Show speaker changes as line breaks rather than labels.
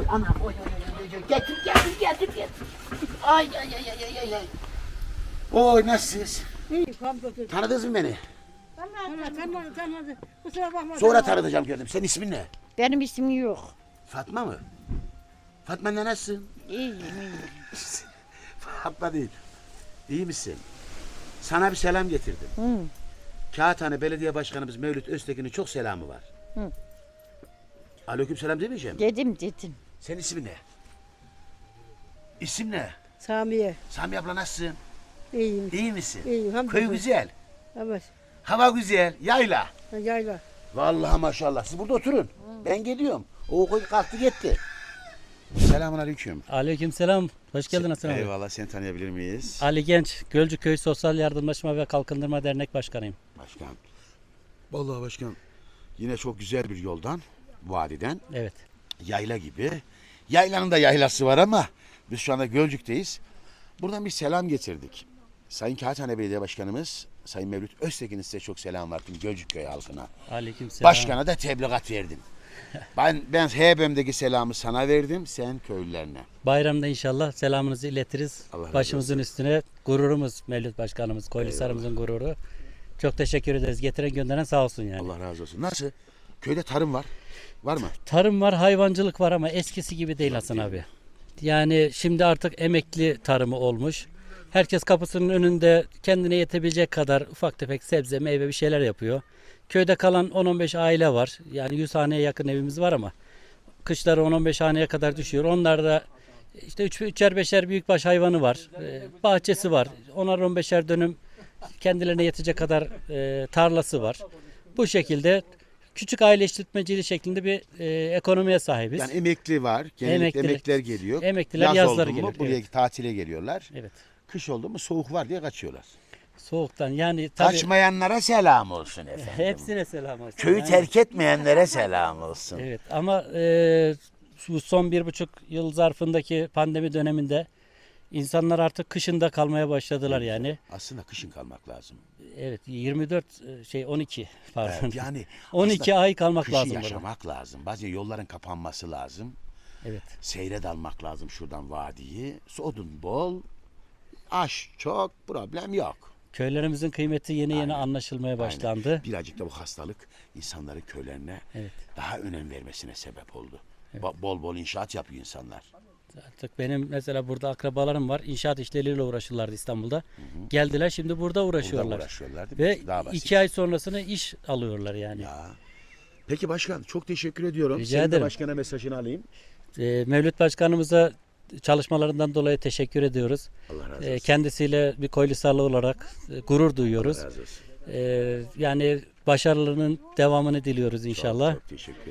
anam oy. Getir. Ay. Oy nasılsınız?
İyi, hamdolsun.
Tanıdınız mı beni?
Tanımadı. Kusura bakma.
Sonra tanıtacağım gördüm. Senin ismin ne?
Benim ismim yok.
Fatma mı? Fatma ne nasılsın?
İyiyim.
Fatma değil. İyi misin? Sana bir selam getirdim.
Hı.
Kağıthane Belediye Başkanımız Mevlüt Öztekin'in çok selamı var.
Hı.
Aleykümselam demeyeceğim.
Dedim.
Senin ismin ne? İsim ne?
Samiye.
Sami abla nasılsın?
İyiyim.
İyi misin?
İyiyim, hamdolsun.
Köy güzel.
Evet.
Hava güzel. Yayla.
Yayla.
Vallahi maşallah. Siz burada oturun. Ben geliyorum. O koy kalktı gitti. Selamun aleyküm.
Aleykümselam. Hoş geldin Hasan abi.
Eyvallah. Seni tanıyabilir miyiz?
Ali Genç, Gölcüköy Sosyal Yardımlaşma ve Kalkındırma Dernek Başkanıyım.
Başkan. Vallahi başkan. Yine çok güzel bir yoldan, vadiden,
Evet.
yayla gibi. Yaylanın da yaylası var ama biz şu anda Gölcük'teyiz. Buradan bir selam getirdik. Sayın Kağıthane Belediye Başkanımız Sayın Mevlüt Öztekin'in size çok selam var tüm Gölcükköy halkına.
Aleykümselam.
Başkana da tebligat verdim. Ben HBM'deki selamı sana verdim, sen köylülerine.
Bayramda inşallah selamınızı iletiriz.
Allah razı
Başımızın üstüne gururumuz Mevlüt Başkanımız, Koylisar'ımızın gururu. Çok teşekkür ederiz. Getiren gönderen sağ olsun yani.
Allah razı olsun. Nasıl? Köyde tarım var. Var mı?
Tarım var, hayvancılık var ama eskisi gibi değil Hasan abi. Yani şimdi artık emekli tarımı olmuş. Herkes kapısının önünde kendine yetebilecek kadar ufak tefek sebze, meyve bir şeyler yapıyor. Köyde kalan 10-15 aile var. Yani 100 haneye yakın evimiz var ama kışları 10-15 haneye kadar düşüyor. Onlar da işte 3'er 5'er büyükbaş hayvanı var. Bahçesi var. 10'ar 15'er dönüm kendilerine yetecek kadar tarlası var. Bu şekilde küçük aile işletmeciliği şeklinde bir ekonomiye sahibiz.
Yani emekli var. Genellikle
Emekliler-
emekliler geliyor.
emekliler
Yaz
yazları
oldu mu
geliyor,
buraya
evet.
tatile geliyorlar.
Evet.
Kış oldu mu soğuk var diye kaçıyorlar.
Soğuktan yani tabii
Kaçmayanlara selam olsun efendim.
hepsine selam olsun.
Köyü
Yani-
terk etmeyenlere selam olsun.
Evet ama şu son 1,5 yıl zarfındaki pandemi döneminde insanlar artık kışında kalmaya başladılar yani.
Aslında kışın kalmak lazım.
Evet 12 pardon.
Evet, yani
12
aslında
ay kalmak
kışı
lazım burada.
yaşamak lazım. Bazen yolların kapanması lazım.
Evet.
Seyre dalmak lazım şuradan vadiyi. Odun bol, aş çok, problem yok.
Köylerimizin kıymeti yeni
Aynen.
anlaşılmaya başlandı.
Birazcık da bu hastalık insanların köylerine
Evet.
daha önem vermesine sebep oldu. Bol bol inşaat yapıyor insanlar.
Artık benim mesela burada akrabalarım var. İnşaat işleriyle uğraşırlardı İstanbul'da. Geldiler şimdi burada uğraşıyorlar.
Burada uğraşıyorlar değil mi?
Ve
Daha basit.
2 ay sonrasını iş alıyorlar yani.
Ya. Peki başkan çok teşekkür ediyorum.
Rica
Senin de
ederim.
başkana mesajını alayım.
Mevlüt Başkanımıza çalışmalarından dolayı teşekkür ediyoruz.
Allah razı olsun.
Kendisiyle bir Koylisarlı olarak gurur duyuyoruz.
Allah razı olsun.
Yani başarılarının devamını diliyoruz inşallah.
Çok teşekkür